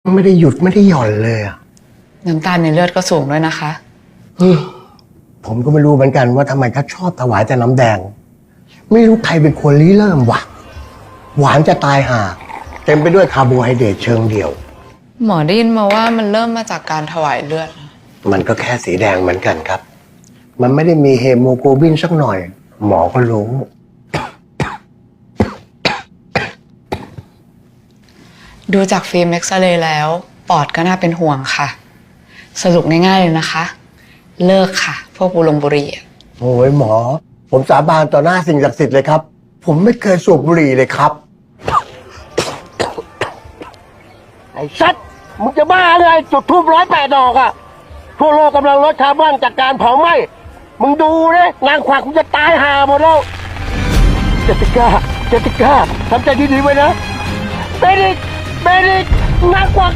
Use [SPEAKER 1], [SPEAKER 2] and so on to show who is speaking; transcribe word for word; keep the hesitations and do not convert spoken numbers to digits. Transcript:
[SPEAKER 1] ไม่ได้หยุดไม่ได้หย่อนเลยอ่ะ
[SPEAKER 2] น้ำตาลในเลือดก็สูงด้วยนะคะ
[SPEAKER 1] อืมผมก็ไม่รู้เหมือนกันว่าทำไมเขาชอบถวายแต่น้ำแดง ไม่รู้ใครเป็นคนริเริ่มวะหวานจะตายห่าเต็มไปด้วยคาร์โบไฮเดรตเชิงเดียว
[SPEAKER 2] หมอได้ยินมาว่ามันเริ่มมาจากการถวายเลือด
[SPEAKER 1] มันก็แค่สีแดงเหมือนกันครับ มันไม่ได้มีเฮโมโกลบินสักหน่อย หมอก็รู้
[SPEAKER 2] ดูจากฟิล์มเอ็กซเรย์แล้ว ปอดก็น่าเป็นห่วงค่ะ สรุปง่ายๆเลยนะคะ เลิกค่ะ พวกบุหรี่บุหรี่อะ
[SPEAKER 1] โอ้ยหมอ ผมสาบานต่อหน้าสิ่งศักดิ์สิทธิ์เลยครับ ผมไม่เคยสูบบุหรี่เลยครับ
[SPEAKER 3] ไอ้ชัดมึงจะบ้าเลยจุดทูบร้อยแปดดอกอะทั่วโลกกำลังลดคาร์บอนจากการเผาไหม้มึงดูนะนางขวักมึงจะตายห่าหมดแล้วเจติก้าเจติก้าทำใจดีๆไว้นะเบนิกเบนิกนางขวัก